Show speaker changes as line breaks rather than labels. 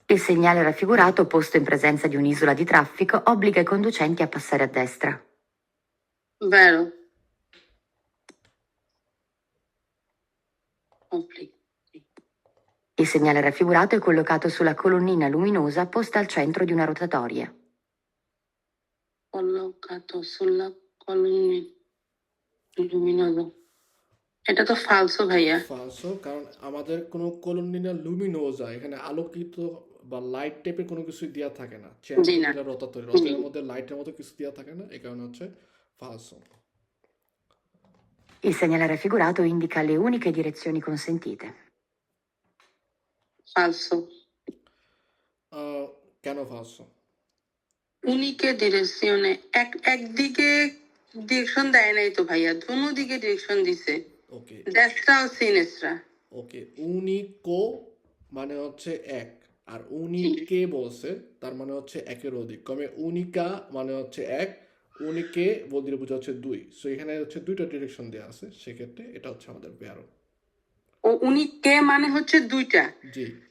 Il segnale raffigurato, posto in presenza di un'isola di traffico, obbliga i conducenti a passare a destra.
Vero. Obbligo.
Il segnale raffigurato è collocato sulla colonnina luminosa posta al centro di una rotatoria.
Collocato sulla colonnina luminosa. এটা তো ফালসো ভাইয়া।
ফালসো, কারণ আমাদের কোনো কলোনিনা লুমিনোজা এখানে আলোকিত বা light টাইপের কোনো কিছু দেওয়া থাকে না।
জি না।
রথের মধ্যে লাইটের মতো কিছু দেওয়া থাকে না, এই কারণে হচ্ছে ফালসো।
Il segnale raffigurato indica le uniche direzioni consentite.
ফালসো।
কেন ফালসো?
উনিকে ডিরেকশনে একদিকে ডিরেকশন দেয় নাই তো ভাইয়া, দুনো দিকে ডিরেকশন দিছে।
ওকে
দেশটা ও সিনেস্ট্রা।
ওকে, উনিকো মানে হচ্ছে এক, আর উনিকে বলছে তার মানে হচ্ছে একের অধিক। কমে উনিকা মানে হচ্ছে এক, উনিকে বলতে বোঝা হচ্ছে দুই। সো এখানে হচ্ছে দুইটা ডিরেকশন দেওয়া আছে, সেক্ষেত্রে এটা হচ্ছে আমাদের ব্যারো।
ও উনিকে মানে হচ্ছে দুইটা।
জি